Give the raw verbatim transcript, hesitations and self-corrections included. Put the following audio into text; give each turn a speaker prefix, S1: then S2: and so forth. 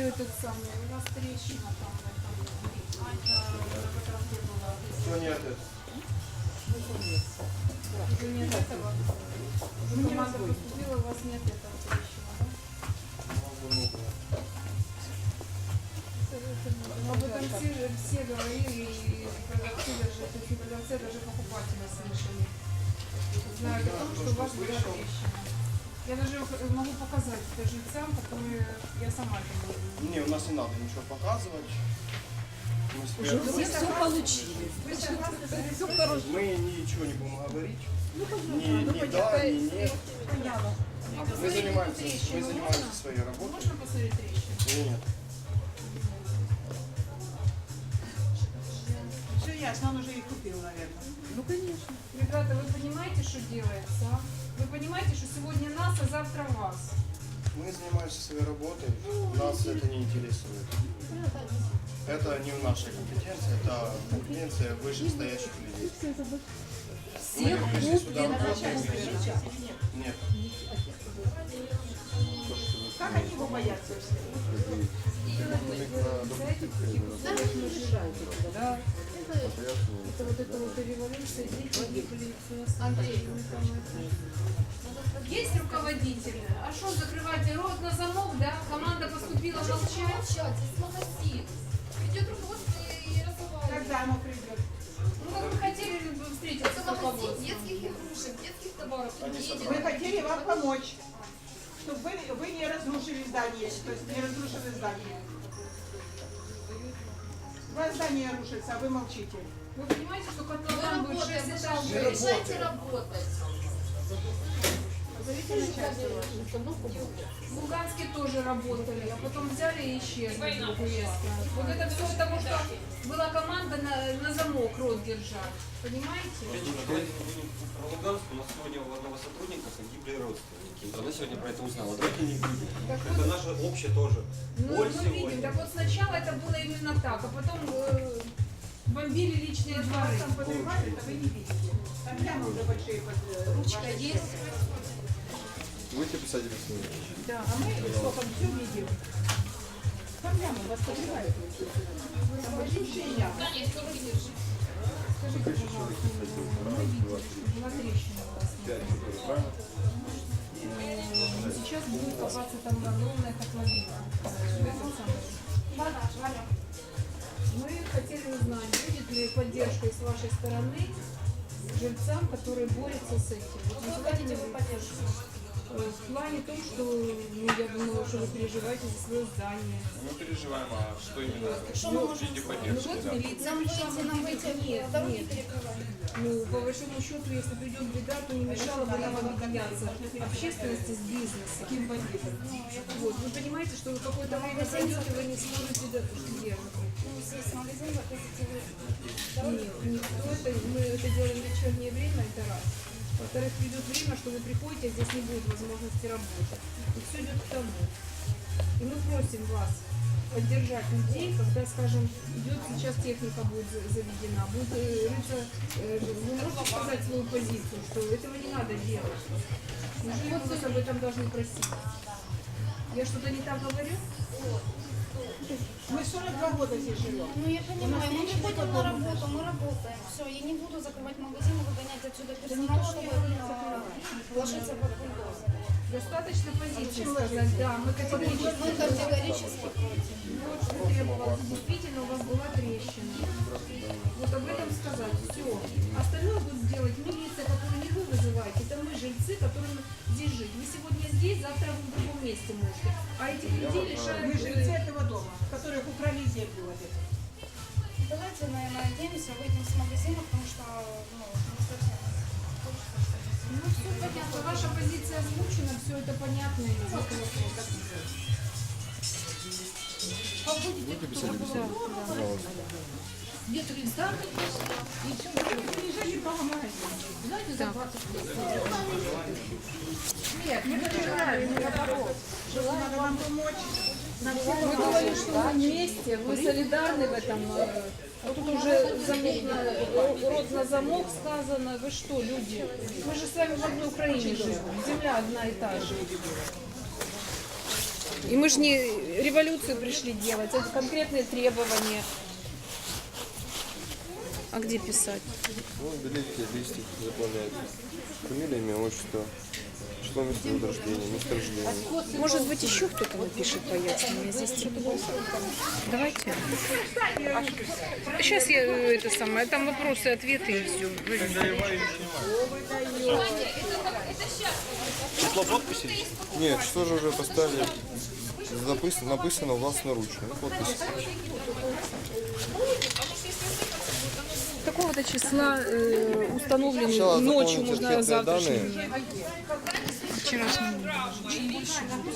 S1: этот самый, у вас трещина там в этом.
S2: Что нет это?
S1: Уже нет этого. Уже команда поступила, у вас нет этого трещина, да? Ну, об этом все, все говорили, и продавцы даже, то есть не продавцы, а даже покупатели слышали. Знают о том, что у вас была трещина. Я даже могу показать это жильцам, которые я сама это говорю.
S2: Не, у нас не надо ничего показывать. Мы
S3: Уже все все получили.
S2: Мы ничего не будем говорить.
S3: Ну,
S2: Ни, ни да, ни нет.
S3: понятно.
S1: А
S2: Мы
S1: посмотрите
S2: занимаемся,
S1: трещину,
S2: мы занимаемся
S1: можно?
S2: своей работой.
S1: Можно посмотреть трещину?
S2: Или нет?
S4: Все ясно, он уже их купил, наверное.
S3: Ну, конечно.
S1: Ребята, вы понимаете, что делается? А? Вы понимаете, что сегодня нас, а завтра вас?
S2: Мы занимаемся своей работой. Нас это не интересует. Это не в нашей компетенции, это компетенция вышестоящих людей. Мы
S3: Всех
S2: пришли сюда
S3: купят.
S2: работать. Нет.
S4: Как они его боятся все?
S1: Да. Это вот это вот революция, дети гибли, Андрей, есть руководители? А что, закрывать рот на замок, да? Команда поступила молчать.
S5: Молчать, здесь магазин. Придет руководство и разговаривает.
S4: Когда оно придет?
S1: Ну, как вы хотели бы встретиться
S5: Это
S1: с
S5: магазин
S1: руководством?
S5: детских игрушек, детских товаров.
S2: Они
S5: Едет.
S4: Мы хотели вам помочь, чтобы вы, вы не разрушили здание, то есть не разрушили здание. У вас здание рушится, а вы молчите.
S1: Вы понимаете, что
S5: Мы
S1: котлован будет
S5: работаем,
S1: шесть
S5: вы же
S1: этажей?
S5: мешаете работать.
S4: Позовите начальство.
S1: В Луганске тоже работали, а потом взяли и исчезли вдруг резко. Вот это все потому, что была команда на, на замок рот держать. Понимаете?
S6: Про Луганск у нас сегодня у одного сотрудника погибли родственники. Она сегодня про это узнала. Давайте не будем.
S1: Так
S6: Это
S1: вот,
S6: наше общее тоже.
S1: ну,
S6: Боль
S1: мы видим,
S6: сегодня.
S1: так вот сначала это было именно так, а потом э, бомбили личные
S4: Вас
S1: дворы.
S4: там поднимают, а вы не видите. Там прямо уже большие под...
S5: Ручка есть.
S7: Будете писать рисунок?
S4: Да, а мы сколько все видим. Там прямо вас поднимают. Там большие ямы.
S5: Конечно, руки держи.
S1: Скажите, пожалуйста, мы видели, что была трещина у вас.
S7: пять, правильно?
S1: Э, Сейчас будет копаться там огромная котловина. Э, этот самый. Мы хотели узнать, будет ли поддержка с вашей стороны жильцам, которые борются с этим. Вот вы хотите поддержку? В плане том, что, ну, я думаю, что вы переживаете за свое здание.
S7: Мы переживаем, а что именно?
S5: Что мы можем
S7: В виде
S1: Ну
S7: поддержки,
S1: вот
S7: да.
S1: милиция
S5: Нам
S1: пришла,
S5: выйти, нам
S1: мы
S5: выйти,
S1: нет,
S5: дороги
S1: нет.
S5: перекрываем.
S1: Ну, по большому счету, если придет беда, то не мешало бы нам объединяться общественности с бизнесом.
S4: Каким бандитом?
S1: Вот, вы понимаете, что вы какое-то время зайдете, вы не сможете до- где
S5: Ну, здесь магазин, вы хотите вы.
S1: Нет, никто это, мы это делаем в вечернее время, это раз. Во-вторых, придет время, что вы приходите, а здесь не будет возможности работать. И все идет к тому. И мы просим вас поддержать людей, когда, скажем, идет сейчас техника будет за- заведена, будет э, рыться, э, вы можете сказать свою позицию, что этого не надо делать. Неужели вы вас об этом должны просить? Я что-то не так говорю?
S4: Мы сорок два года здесь живем.
S5: Ну, я понимаю, мы не ходим на работу, мы работаем. Все, я не буду закрывать магазин и выгонять отсюда персонал, чтобы а, вложиться под бульдозер.
S1: Достаточно позиции сказать, да, мы категорически.
S5: Мы категорически против.
S1: Вот что требовалось. Действительно, у вас была трещина. Вот об этом сказать. Все. Остальное будет делать милиция, которую не вы вызываете. Это мы, жильцы, которым здесь жить. Вы сегодня здесь, завтра вы в другом месте можете. А этих людей лишают...
S4: Мы жильцы этого дома, которых украли землю вот эту.
S5: Давайте, наверное, надеемся, выйдем с магазина, потому что, ну, не совсем.
S1: Ну, все понятно. Ваша позиция озвучена, все это понятно. И нет вопросов.
S7: Будете писать рисунок? Пожалуйста.
S3: Нет ресторана, и все.
S4: Приезжайте по магазину.
S3: Знаете, за двадцать лет.
S4: Нет, мы желаем, наоборот. Надо вам помочь.
S1: Мы говорим, что мы вместе, мы солидарны в этом. э, Вот тут уже замок на, рот на замок сказано. Вы что, люди? Мы же с вами в одной Украине живем. Земля одна и та же. И мы же не революцию пришли делать, это конкретные требования. А где писать?
S7: Ну, берите листик, заполняйте. Фамилия, имя, отчество, число места рождения, место рождения.
S1: Может быть, еще кто-то напишет пояснение. Здесь тепло. Давайте. Сейчас я э, это самое, там вопросы, ответы и все.
S2: Число подписи?
S7: Нет, что же уже поставили? Написано, написано властноручно. Ну, подпись.
S1: Какого-то числа э, установлен
S7: Сначала
S1: ночью,
S7: заполните
S1: можно
S7: анкетные
S1: завтрашним.
S7: данные.
S1: Вчерашним. Чем больше будет.